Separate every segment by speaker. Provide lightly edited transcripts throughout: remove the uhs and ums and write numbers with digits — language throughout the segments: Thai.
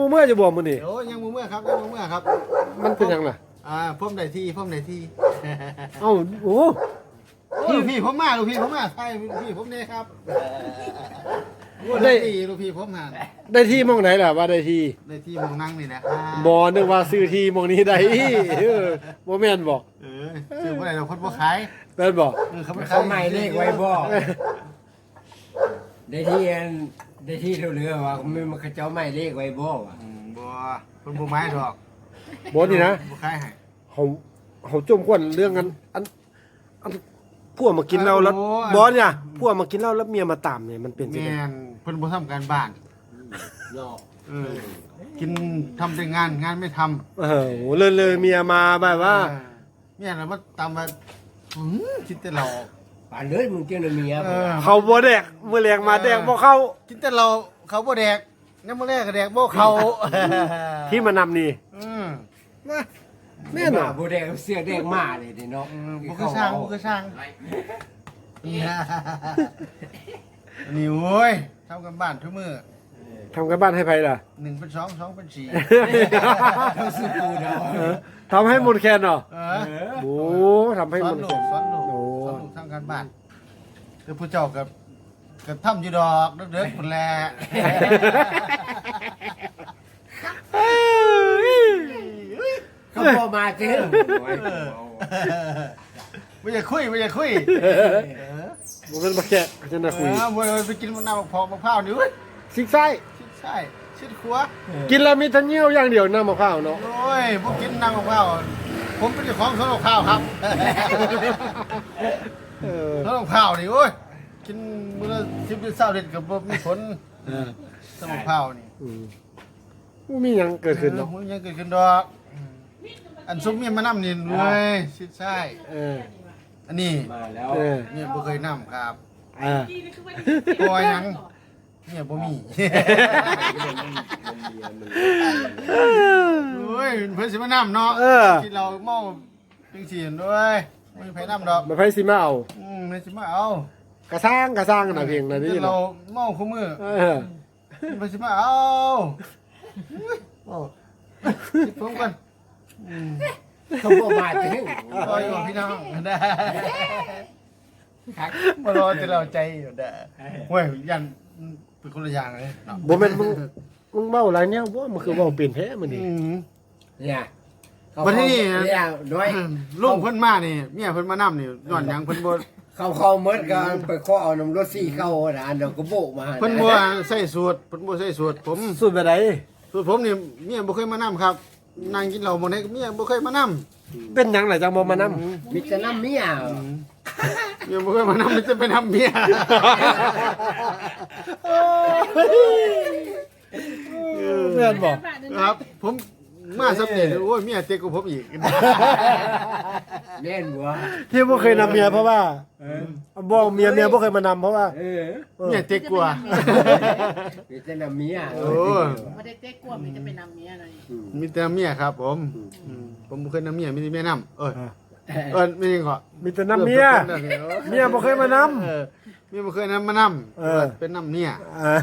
Speaker 1: เมื่อจะบอกมื้อนี่
Speaker 2: โอ้ยังบ่เมื่อครับยังบ่เมื่อครับ
Speaker 1: มันเป็นหยังล่ะ
Speaker 2: ผมได้ที่ผมได้ที่
Speaker 1: เอ้าโอ้
Speaker 2: ลูกพี่ผมมาลูกพี่ผมมาใช่ลูกพี่ผมเนี่ยครับที่ลูกพี่ผมหา
Speaker 1: ได้ที่หมองไหนล่ะว่าได้ที่
Speaker 2: ได้ที่มองนั่งนี่นะ
Speaker 1: บ่นึกว่าซื้อที่หมองนี้ได้บ่แม่นบ่
Speaker 2: ซื้อบ่ได้เราคนบ่ขาย
Speaker 1: แม่นบ่
Speaker 3: เขาใหม่เลขไว้บ่ได้ที่เรือว่ามันเขาเจ้าใหม่เลขไว้บ่ว่ะ
Speaker 2: บ่คนบ่ไม้ดอก
Speaker 1: บ่นี่นะ
Speaker 2: บ่ขายให้
Speaker 1: เขาจมควนเรื่องอันพวกมากินเหล้าแล้วบ่เนี่ยพวกมากินเหล้าแล้วเมียมาตามเนี่ยมันเป็นจัง
Speaker 2: แม่
Speaker 1: ได๋
Speaker 2: นเพิ่นบ่ทำการบ้าน
Speaker 3: เนาะ
Speaker 2: กินทำแต่งานไม่ทำ
Speaker 1: โหเลยเมียมาแบบว่า
Speaker 2: เนี่ยเรามาตามมาคิดแต่เรา
Speaker 3: ป่านเลยมึงเจ้าเมีย
Speaker 1: เขาบ่แดกมื้อแรงมาแดกบ่เข้า
Speaker 2: คิดแต่เราเขาบ่แดกน้ำมื้อแรกก็แดกบ่เขา
Speaker 1: ที่มานำนี่
Speaker 2: นะ
Speaker 1: แม่นบ่
Speaker 3: บ่แดงเสื้อแดงมาเลยเนาะ
Speaker 2: บ่คือช่างบ่คือช่างนี่โว้ยทำกันบ้านทุกมื้อ
Speaker 1: ทำกันบ้านให้ไผล่ะ
Speaker 2: 1เป็น2 2เป็น4
Speaker 3: เขาซื้อปูเนาะ
Speaker 1: ทำให้หมดแคนเนาะ
Speaker 2: เออ
Speaker 1: โอ้ทำให้
Speaker 2: ส
Speaker 1: ห
Speaker 2: อ
Speaker 1: ม
Speaker 2: น
Speaker 1: ด
Speaker 2: ลู
Speaker 1: แค
Speaker 2: ก
Speaker 1: น
Speaker 2: สอนลูก
Speaker 1: โอ้
Speaker 2: สอนลูกทำกันบ้านคือผู้เจ้ากับทำอยู่ดอกเด็กๆพุ่นแหละ
Speaker 3: เขาพอมาเจ้า
Speaker 2: ไม่อยากคุย
Speaker 1: บ่เป็นบ่แค่จะน่าคุย
Speaker 2: บ่ไปกินมะนาวพอมะพร้าวนี่เว้ย
Speaker 1: ซิกไส้
Speaker 2: ใช่ชิดขัว
Speaker 1: กินแล้วมีแต่เหี่ยวอย่างเดียวน้ำมะพร้าวเนาะ
Speaker 2: โอ้ยพวกกินน้ำมะพร้าวผมเป็นเจ้าของสวนมะพร้าวครับ
Speaker 1: เออ
Speaker 2: สวนมะพร้าวนี่โอ้ยกินมื้อละ10 20 ลิตรก็บ่มีผลสวนมะพร้าวนี่
Speaker 1: บ่มีหยังเกิดขึ้นเนาะ
Speaker 2: มันยังเกิดขึ้นดอกอันซุมเมียมานำนี่เว้ยชิดใช่
Speaker 1: เออ
Speaker 2: อันนี้
Speaker 3: มาแล้ว
Speaker 1: เออ
Speaker 2: เมียบ่เคยนำครับ
Speaker 1: อ่า
Speaker 2: ปล่อยหยังเมียบ่มีโอ้ยเพิ่นสิมานำเนาะที่เราเมาจังซี่ด้วยบ่มีไผนำดอก
Speaker 1: มาไผสิมาเอา
Speaker 2: เพิ่นสิมาเอา
Speaker 1: กระซ้างน่ะเพลงน่ะนี่
Speaker 2: เรา
Speaker 1: เนาะ
Speaker 2: เมาคู่มือ
Speaker 1: เออ
Speaker 2: เพิ่นสิมาเอาโอ้สิผมกัน
Speaker 3: เขาพอมาเจ้า
Speaker 2: รออยู่พี่น้องได้มารอจะเราใจอยู่ได้เว้ยยันเป็นคนละอย่างเลยเนาะ
Speaker 1: บ่แม่นมึงเว้าหลายแนวบ่มันคือเว้าเป็นแท้มื้อนี้
Speaker 3: เนี่ย
Speaker 2: วันที่นี่
Speaker 3: เนี่ยน้อย
Speaker 2: ลุงเพิ่นมานี่เมียเพิ่นมานำนี่ย้อนหยังเพิ่นบ่
Speaker 3: เขาเมิดกันไปขอเอาน้ำรถซี่เข้าน่ะอันเดียวก็โบกมา
Speaker 2: เพิ่นบ่ใส่สูตรเพิ่นบ่ใส่สูตรผม
Speaker 1: สุดไปไหน
Speaker 2: สูตรผมนี่เมียบ่เคยมานำครับนั่งกินเหล้าบ่ได้เมียบ่เคยมานำ
Speaker 1: เป็นหยังล่ะจังบ่มานำ
Speaker 3: มีแต่น้ำเมีย
Speaker 2: เมียบ่เคยมานำมันจะไปนำเมีย
Speaker 1: แม่นบ่
Speaker 2: ครับ ผมมาสำเร็จโอ้ยเมียเต็กกว่าผมอีก
Speaker 3: เล่นบัว
Speaker 1: ที่บ่เคยนำเมียเพราะว่าบ่เมียบ่เคยมานำเพราะว่า
Speaker 2: เมียเต็กกว่า
Speaker 3: มีแต่น้ำเมีย
Speaker 2: โอ้
Speaker 4: ไม่ได้เจ๊กลัวมันจะไปนำเมียอะไร
Speaker 2: มีแต่เมียครับผมผมบ่เคยนำเมียมีแต่เมียนำไม่จริงเหรอ
Speaker 1: มีแต่นำเมียเมียบ่เคยมานำ
Speaker 2: เมียบ่เคยนำมานำเป็นนำเมีย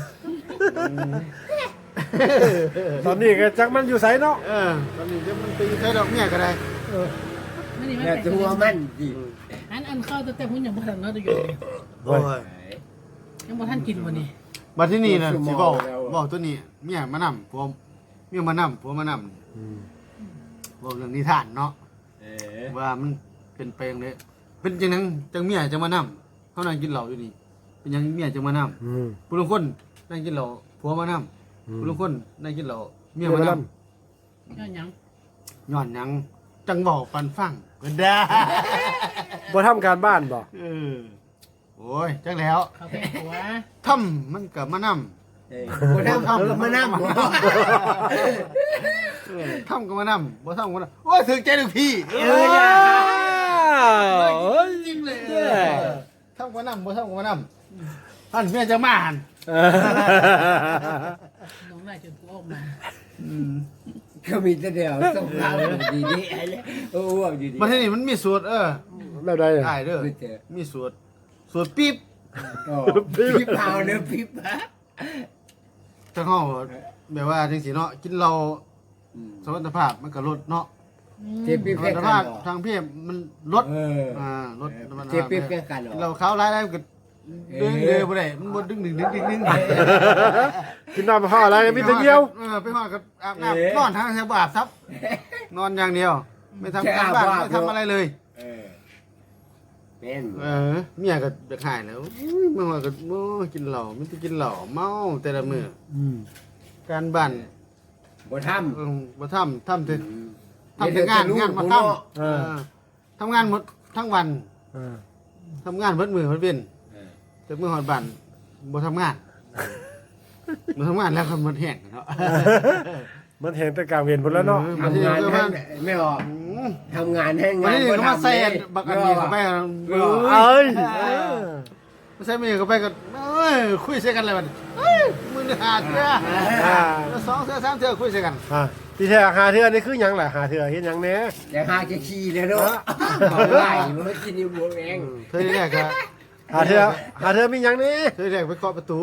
Speaker 1: ตอนนี้ก็จักมันอยู่ไสเนาะ
Speaker 2: ตอนนี้เดี๋ยวมันไปใช้ดอกเมียก็ได้
Speaker 4: ไม่นี่ไม่
Speaker 3: แต่
Speaker 4: เป็น
Speaker 3: ตัวมันดิ
Speaker 4: อันเข้าแต่พุ่นยังบ่ทันเนาะตัวอยู่
Speaker 2: โอ้ย
Speaker 4: ยังบ่ทันกินบ่นี่
Speaker 2: มาที่นี่นะสิบอกตัวนี้เมียมานำผมเมียมานำผัวมานำบอกเรื่องนิทานเนาะว่ามันเป็นไปอย่างไรเป็นจังนั้นจังเมียจะมานำเขานั่งกินเหล้าอยู่นี่เป็นยังเมียจะมานำผู้ลางคนนั่งกินเหล้าผัวมานำผู้ลางคนนั่งกินเหล้าเมียมาน
Speaker 4: ย้อนหยัง
Speaker 2: ำย้อนหยังจังบอกปันฟังก็ได้
Speaker 1: บ่ทำการบ้านบ่
Speaker 2: โอ้ยจังแล้ว
Speaker 4: เขาแพงตัว
Speaker 2: ทำมันกับมานำ
Speaker 3: บ่ทำก็มานั่ง
Speaker 2: ทำกับมานำบ่ทำกับมานำโอ้ยถึงใจลูกพี่ จริงเลยทำกับมานำบ่ทำกับมานำท่านเมียจะมาหัน
Speaker 4: น้องนายจนกูออกมา
Speaker 3: ก็มีแต่เดียวส่งข่าวดีๆไอ้เลยโอ้วดีๆ
Speaker 2: มาที่นี่มันมีสูตร
Speaker 1: แล้วได้
Speaker 2: ได้เด้อมีสูตรปิ๊บ
Speaker 3: พี่เผาเนื้อพี่ปะ
Speaker 2: จังห้องแบบว่าจังซี่เนาะกินเหล้าสมรรถภาพมันก็ลดเนาะ
Speaker 3: เจ็บปี๊บ
Speaker 2: สมร
Speaker 3: แค่
Speaker 2: รถ
Speaker 3: กั
Speaker 2: ภาน พ
Speaker 3: เหรอ
Speaker 2: ทางเพศมันลด
Speaker 3: เออ
Speaker 2: ลด
Speaker 3: เจ็บปี๊บแค่กันเหรอ
Speaker 2: เราเขาร้ายได้ก็ดึงเลยบ่ได้มันบ่ดึง
Speaker 1: กินน้ำห่ออะไรมีแต่เดียว
Speaker 2: ไปหอดก็อาบน้ำนอนทางแถวบาปซับนอนอย่างเดียว ไม่ทำการบ้านไม่ทำอะไรเลย
Speaker 3: เออเป็น
Speaker 2: เมียก็จะขายแล้วเมื่อวานก็กินเหล้าไม่ได้กินเหล้าเมาแต่ละมื้อการบ้าน
Speaker 3: บ่ทำ
Speaker 2: บ่ทำแต่งานมาทำทำงานหมดทั้งวันทำงานเบิดมื้อเบิดเว้นแต่มื้อฮอดบ้านบ่ทำงานบ่ทำงานแล้วก็หมดแห้งเนาะ
Speaker 1: มันเห็นแต่กลางเวียนหมดแล้วเนาะ
Speaker 3: ทำงานให้ไม่ออกทำงานให้
Speaker 2: วัน
Speaker 3: งาน
Speaker 2: นี้
Speaker 3: บ่
Speaker 2: ก็มา
Speaker 3: ทำ
Speaker 2: ใส่
Speaker 3: เลย
Speaker 2: บักอันนี้เข้าไป
Speaker 1: เอ้ย
Speaker 2: มาใส่มือเข้าไปก็คุยใส่กันเลยมันมือหาเทื่อสองเทื่อสามเทื่อคุยใส่กัน
Speaker 1: ที่แท้หาเทื่อนี่คือหยังล่ะหาเทื่อเฮ็ดหยังแหน่
Speaker 3: อย่าหาจะขี้เลยเนาะเอาไล่มันกินอยู่บัวแรง
Speaker 2: เธอแรกก็
Speaker 1: หาเทื่อมีหยังแหน่
Speaker 2: เธอแรกไปเคาะประตู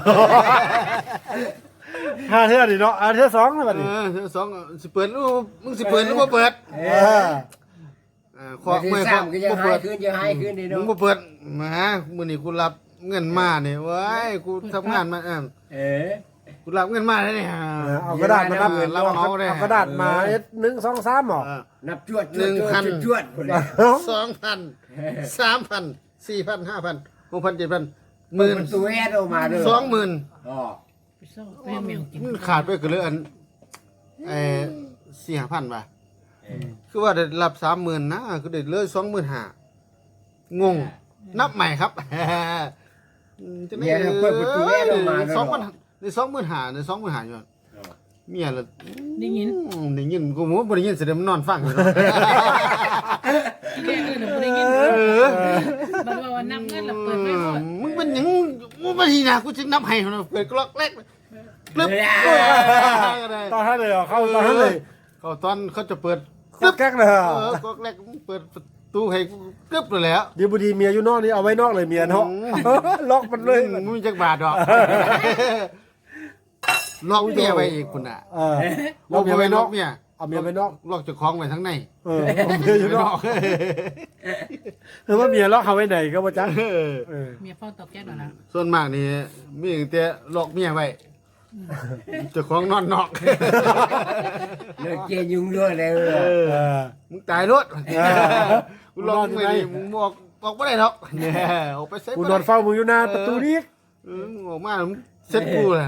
Speaker 1: หาเทื่อนี่เนาะหาเทื่อสองแล้วบัดนี้
Speaker 2: เธอสองสิเปิดรูปมึงสิเปิดหรือบ่เปิด
Speaker 3: ขอมือซ้ำก็ยังหายขึ้นยังหายขึ้นนี่
Speaker 2: มึ
Speaker 3: เนาะ
Speaker 2: งบ่เปิดมามื้อนี้กูรับเงินมาเนี่ยว้ายกูทำงานมากูรับเงินมาแล้วเนี่ย
Speaker 1: เอากระดาษมานับ
Speaker 2: เราเอาได้
Speaker 1: เอากระดาษมาเอ็ด1 2 3หรอ
Speaker 3: นับจวดจวดคนละ
Speaker 2: 2,000 3,000 4,000 5,000 6,000 7,000
Speaker 3: มันตัวแอดออกมาด้วย
Speaker 2: 20,000
Speaker 3: อ๋อ
Speaker 4: ไปเศร้าไปแมวกิน
Speaker 2: มันขาดไปก็เหลืออัน4,000 บาทคือว่าได้รับ 30,000 นะก็ได้เหลือ25,000งงนับใหม่ครับ
Speaker 3: เนี่ยเปิดประตูแอดออกมาด้วย
Speaker 2: 20,000ใน25,000ใน25,000อยู่เมียละ
Speaker 4: ได้ยิน
Speaker 2: ได้ยินกูบ่ได้ยินเสียงมันนอนฟังอยู่
Speaker 4: ที่แรกเดี๋ยวได้ยินบอกว่านับเงินแล้วเปิดไม่หมด
Speaker 2: มึงเป็นหยังมึงบ่ทีนะกูจึงนับให้มันเปิดกล็อกแรกปึ๊บ
Speaker 1: ตอนท่านเลยเหรอเข้าตอนท่านเลย
Speaker 2: เขาตอนเขาจะเปิด
Speaker 1: แก๊กเลยเหรอก
Speaker 2: ล็อกแรกเปิดประตูให้กึบเลยแหล้ว
Speaker 1: เดี๋ยวบุดีเมียอยู่นอกนี่เอาไว้นอกเลยเมียเนาะล็อกมันเลย
Speaker 2: มึงมีจักบาทดอกล็อกเมียไว้อีกคุณน่ะ
Speaker 1: ล็อกเมียไว้นอก
Speaker 2: เมีย
Speaker 1: เอาเมียไว้นอก
Speaker 2: ล็อกเจ้าของไว้ทั้งใน
Speaker 1: เอาเมียอยู่นอกคือว่าเมียล็อกเขาไว้ไหนก็บ่จัก
Speaker 4: เมียเฝ้าตอกแก๊สแล้วนะ
Speaker 2: ส่วนมากนี่มีแต่ล็อกเมียไว้เจ้าของนอนนอก
Speaker 3: เลิกเกยยุ่งด้วยเลย
Speaker 2: มึงตายรถกูล็อกไม่ดีมึงบอกไม่ได้หรอกเนี่ยออกไปเซ็ต
Speaker 1: กูนอนเฝ้ามึงอยู่หน้าประตูนี้
Speaker 2: มึงออกมามึงเซ็ตกูเลย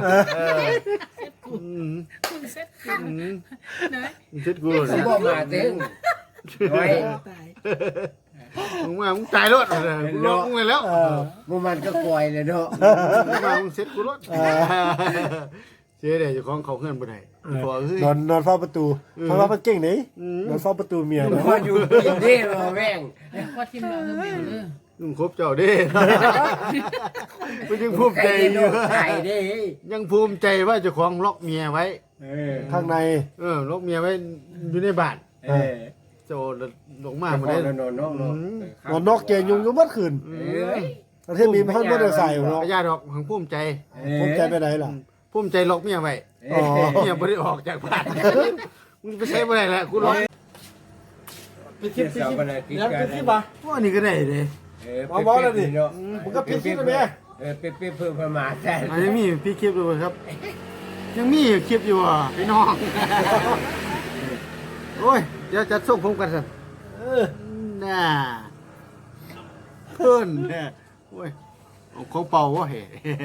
Speaker 4: คุณเซ็ตขันนะ
Speaker 2: มึงเซ็ตกูเลย
Speaker 3: เขาบอกมาเต็งไว้
Speaker 4: ตาย
Speaker 2: มึงมามึงตายรถกูล็อกมึงไปแล้ว
Speaker 3: มันก็ปล่อยเลยเนาะ
Speaker 2: มึงมามึงเซ็ตกูรถเจ๊เดี๋ยวเจ้าของเขาเคลื่อนไปไหนบอกเฮ้ย
Speaker 1: นอนเฝ้าประตูเพราะว่ามันเก่งนี่นอนเฝ้าประตูเมีย
Speaker 3: พออยู่กินได้มาแม่ง
Speaker 4: ว่าทีมเราเริ่มเบลเลย
Speaker 2: มึงคบเจ้าเด้มึงยังภูมิใจอยู่
Speaker 3: ไก่ได้
Speaker 2: ยังภูมิใจว่าเจ้าของล็อกเมียไว้
Speaker 1: ข้างใน
Speaker 2: ล็อกเมียไว้อยู่ในบ้านโจลงมาบ่ได้
Speaker 3: นอน
Speaker 1: นอนนอกเกยยุงอยู่เมื่อคืนประเทศมีพันไม่ได้ใส่เนาะ
Speaker 2: ญาติดอกของภูมิใจ
Speaker 1: ผมใจไปไหนล่ะ
Speaker 2: ภูมิใจล็อกเมียไว้
Speaker 1: อ๋อ
Speaker 2: เมียบ่ได้ออกจากบ้านมึงไปใช้บ่ได้แหละกูล็อก
Speaker 1: ปิดคลิปปิดคลิปแล้วปิดคลิปป่ะ
Speaker 2: ว่านี่ก็ได้เด้
Speaker 1: มึงก็ปิดคลิปไปแม่
Speaker 3: เป๊ะเพิ่มประมาณแต่
Speaker 2: ยังมีพี่คลิปอยู่ครับ ยังมีคลิปอยู่อ่ะพี่น้องโอ้ยเดี๋ยวจะส่งผมกันสิน่าเพิ่นแน่โอ้ยเอาของเป่าวะเฮ้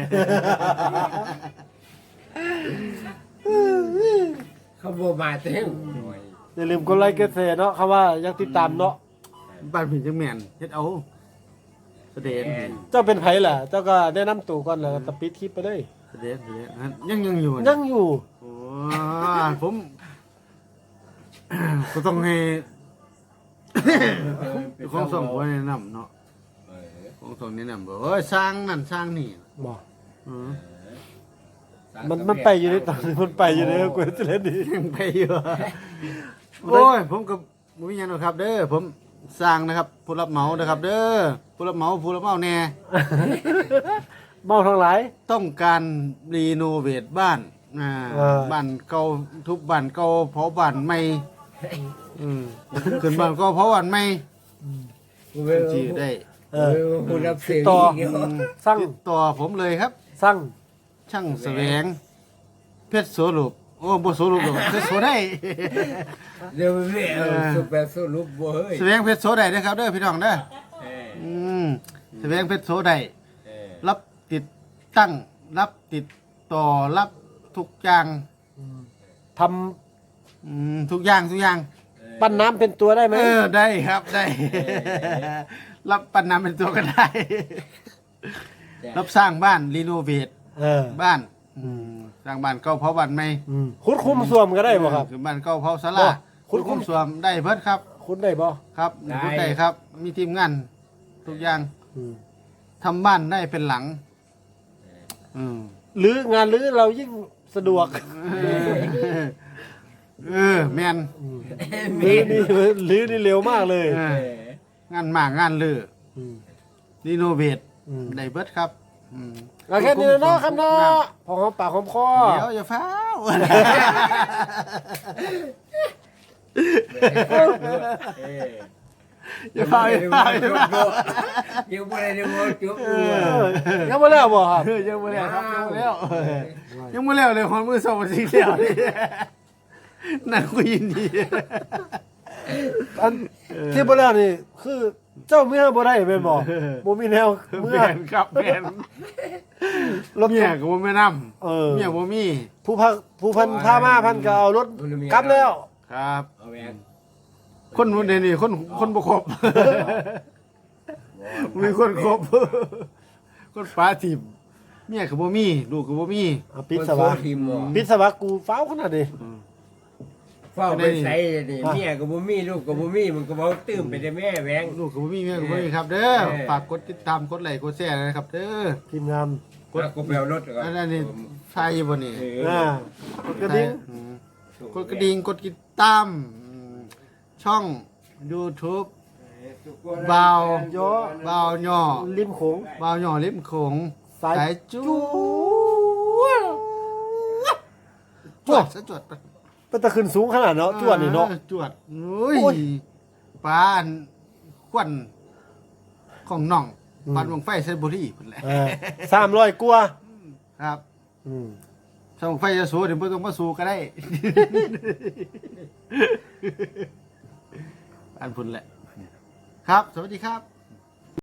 Speaker 3: เขาบอกมาเต็ง
Speaker 1: อย่าลืมกดไลค์กดแชร์เนาะคำว่ายังติดตามเนาะ
Speaker 2: บ้านพี่จังแม่นเฮ็ดเอาเสด็จ
Speaker 1: เจ้าเป็นไผล่ะเจ้าก็แนะนำตัวก่อนแล้วก็ปิดคลิปไปเลย
Speaker 2: เสด็จยังอยู่
Speaker 1: ยังอยู่
Speaker 2: โอ้ผม ก็ต้องให้ของส่งไว้แนะนำเนาะของส่งแนะนำบอกเอ้ยสร้างนั่นสร้างนี่
Speaker 1: บอก
Speaker 2: อือ
Speaker 1: มันไปอยู่ในตอนนี้มันไปอยู่ในกูจะเล่นดี
Speaker 2: ยังไปอยู่โอ้ยผมก็บ่มีหยังหรอกครับ เด้อผมสร้างนะครับ ผู้รับเหมานะครับ เด้อผู้รับเหมาแน่
Speaker 1: เมาทั้งหลาย
Speaker 2: ต้องการรีโนเวทบ้านบ้านเก่าทุบบ้านเก่าเผาบ้านใหม่ขึ้นบ้านเก่าเผาบ้านใหม่จีได้
Speaker 3: ผู้รับเสี
Speaker 1: ติ
Speaker 3: ย
Speaker 1: ดต่อ
Speaker 3: เดียว
Speaker 1: สร้าง
Speaker 2: ติดต่อผมเลยครับ
Speaker 1: สร้าง
Speaker 2: ช่างแสวงเพชรโสรูปโอ้บ่โสรูปหรอกเพชรโสได้
Speaker 3: เดี๋ยวไม่เอาสุแบบสรุปบ่เฮ้ย
Speaker 2: แสวงเพชรโสได้นะครับเด้อพี่น้องเด้อแสวงเพชรโสได้รับติดตั้งรับติดต่อรับทุกอย่าง
Speaker 1: ท
Speaker 2: ทุกอย่าง
Speaker 1: ำปั้นน้ำเป็นตัวได้ไหม
Speaker 2: ได้ครับได้ รับปันน้ำเป็นตัวก็ได้ รับสร้างบ้านรีโนเวท บ้านสร้างบ้านเก่าเผาบ้านใหม่
Speaker 1: คุดคุมสวมก็ได้บ่ครับ
Speaker 2: คือบ้านเก่าเผาศาลา
Speaker 1: บ่คุ
Speaker 2: คุ
Speaker 1: ณ
Speaker 2: ณคุ้มสวมได้เพิ่นครับ
Speaker 1: คุดได้บ่
Speaker 2: ครับคุณได้ครับ มีทีมงานทุกอย่างทำบ้านได้เป็นหลัง
Speaker 1: หรืองานหรือเรายิ่งสะดวก
Speaker 2: แมน
Speaker 1: หรือนี่เร็วมากเลย
Speaker 2: งานหมากงานเลือรีโนเวทได้เบิดครับ
Speaker 1: เอาแค่นี้เนาะครับเนาะพอหอมปากหอมคอ
Speaker 2: เดี๋ยวอย่าฟ้าว อย่าฟ้าวอย่าฟ้าวอย่าฟ้าว
Speaker 3: ยังบ่ได้บ่จบ
Speaker 1: ยังไม่แล้วบ่ครับ
Speaker 2: ยังไม่แล้วครับยังไม่แล้วเลยความมือสองสิ่งเดียวนี่นั่นก็ยินดี
Speaker 1: อันที่บ่แล้วนี่คือเจ้าเมื่อบ่ได้แม่นบ่บ่มีแนวเมื่อ
Speaker 2: แมนครับแมน
Speaker 1: รถ
Speaker 2: เมียก็บ่แม่น
Speaker 1: เออ
Speaker 2: ำเมียบ่มี
Speaker 1: ผู้พันพามาพันก็เอารถกลับแล้ว
Speaker 2: ครับ
Speaker 3: เอาแหวน
Speaker 2: คนนู้นนี่คนบ่ครบมีคนครบคนฟ้าถิ่มเมียก็บ่มีลูกก็บ่มี
Speaker 1: เอาปิดสวะ
Speaker 3: ทีมบ่
Speaker 1: ปิดสวะกูฟ้าวขนาดนี้
Speaker 3: เฝ้าไปใส่นี่เมียก็บ่มีลูกก็บ่มีมันก็บ่ตื้มไปได้แม่แหวง
Speaker 2: ลูกก็บ่มีเมียก็บ่มีครับ เด้อฝากกดติดตามกดไลค์กดแชร์นะครับ เด้อ
Speaker 1: ทีมงาน
Speaker 3: ก็แปลรถก่อน
Speaker 2: อันนี้ใช่บ่นี่
Speaker 1: กดกระดิ่ง
Speaker 2: กดกระดิ่งกดติดตามช่อง YouTube บ่าว
Speaker 1: ย่อ
Speaker 2: บ่าวย่อ
Speaker 1: ริมโขง
Speaker 2: บ่าวย่อริมโขง
Speaker 1: สาย
Speaker 2: สายจูจวดซะจวดไป
Speaker 1: เป็นตะขึ้นสูงขนาดเนาะจวดนี่เนาะ
Speaker 2: จวดโอ้ย
Speaker 1: โอ้ย
Speaker 2: ปานควันของน้องปานวงไฟเซนบุรีพุ่นแหละ
Speaker 1: 300กว่า
Speaker 2: ครับ
Speaker 1: อืม
Speaker 2: ถ้าวงไฟจะสู้เดี๋ยวบ่ต้องมาสู้ก็ได้ ปานพุ่นแหละ ครับ สวัสดีครับ